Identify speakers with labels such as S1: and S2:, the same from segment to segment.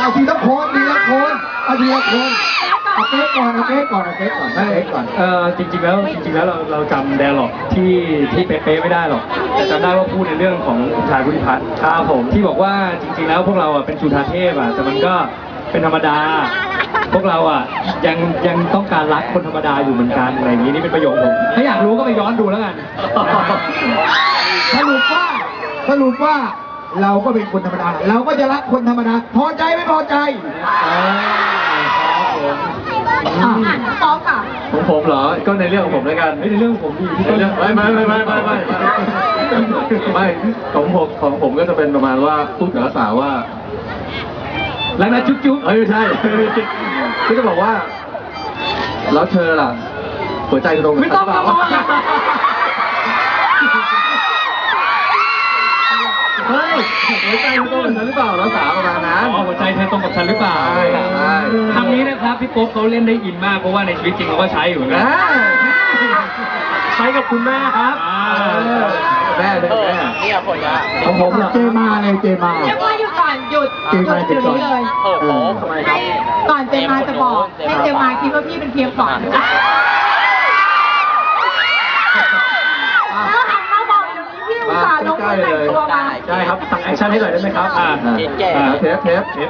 S1: เอาทีละคนทีละคนเอาทีละคนเอาเก๊กก่อนเอาเก๊กก่อนเอาเก๊กก่อนเอาเก๊กก่อน
S2: จริงๆแล้วเราจำไดอะล็อกที่เป๊ะๆไม่ได้หรอกแต่จำได้ว่าพูดในเรื่องของชายพุทธิพัฒน์ครับผมที่บอกว่าจริงๆแล้วพวกเราอ่ะเป็นจุฑาเทพอ่ะแต่มันก็เป็นธรรมดาพวกเราอ่ะยังต้องการรักคนธรรมดาอยู่เหมือนกันอะไรอย่างนี้นี่เป็นประโยคผมถ้าอยากรู้ก็ไปย้อนดูแล้วกัน
S1: สรุปว่าเราก็เป็นคนธรรมดาเราก็จะรักคนธรรมดาพอใจไม่พอใจ
S3: พร้อมค่ะ
S2: ของผมเหรอก็ในเรื่องของผมแล้วกันในเรื่องของผมดีที่ต้นไม่ของผมก็จะเป็นประมาณว่าพูดกับสาวว่าแล้วนะจุ๊บไม่ใช่ก็จะบอกว่าแล้วเธอล่ะหัวใจตรงไม่ต้องมาเฮ้ยหัวใจตรงกับฉันหรือเปล่าแล้วสาวประมาณนั้นหัวใจเธอตรงกับฉันหรือเปล่าใช่คำนี้นะครับพี่โป๊ปเขาเล่นได้อินมากเพราะว่าในชีวิตจริงเขาก็ใช้อยู่นะใช้กับคุณแม่ครับแม่นี่ผลงานของผมเจมาเลยเจมา
S3: หยุดก่อนหยุดนี้เลย
S2: ทำไมครับ
S3: ก่อนเจมาจะบอกให้เจมาคิดว่าพี่เป็นเพียงฝันอุตส่าห์ลงมาแต่งตัวมา
S2: ใช่ครับสั่งแอคชั่นให้หน่อยได้ไหมครับเทป4 3 2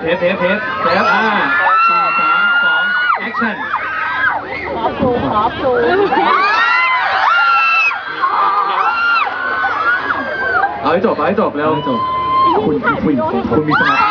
S2: แอคชั่น
S3: ขอปลู
S2: เอาให้จบแล้วจบคุณมีสมาธิ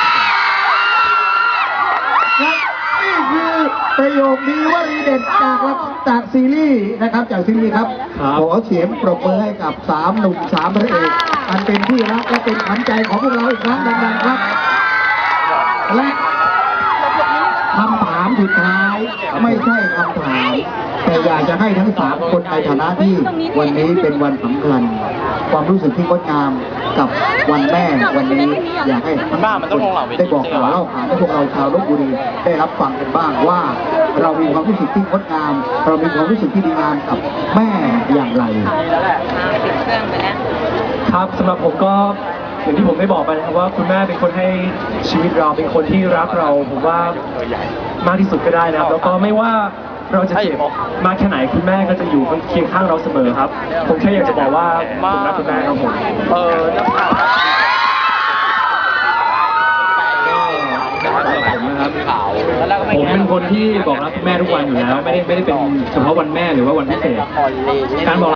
S1: นี่คือประโยคนี้ว่ารีเด็ดจากซีรีส์นะครับจากซีรีส์ครับขอเสียงปรบมือให้กับ3 หนุ่ม3 พระเอกอันเป็นที่รักและเป็นขวัญใจของพวกเราอีกครั้งดังๆครับและคำถามสุดท้ายไม่ใช่คำถามแต่อยากจะให้ทั้ง3 คนในฐานะที่วันนี้เป็นวันสำคัญความรู้สึกที่งดงามกับวันแม่วันนี้อยากให้ทั้งคนได้บอกกล่าวเล่าขานให้พวกเราชาวลพบุรีได้รับฟังกันบ้างว่าเรามีความรู้สึกที่งดงามเรามีความรู้สึกที่ดีงามกับแม่อย่างไร
S2: ครับสำหรับผมก็อย่างที่ผมได้บอกไปนะครับว่าคุณแม่เป็นคนให้ชีวิตเราเป็นคนที่รักเราผมว่ามากที่สุดก็ได้นะครับแล้วก็ไม่ว่าเราจะเจ็บมากแค่ไหนคุณแม่ก็จะอยู่เคียงข้างเราเสมอครับผมแค่อยากจะบอกว่าผมรักคุณแม่ครับผมผมเป็นคนที่บอกรักคุณแม่ทุกวันอยู่แล้วไม่ได้เป็นเฉพาะวันแม่หรือว่าวันพิเศษการบอก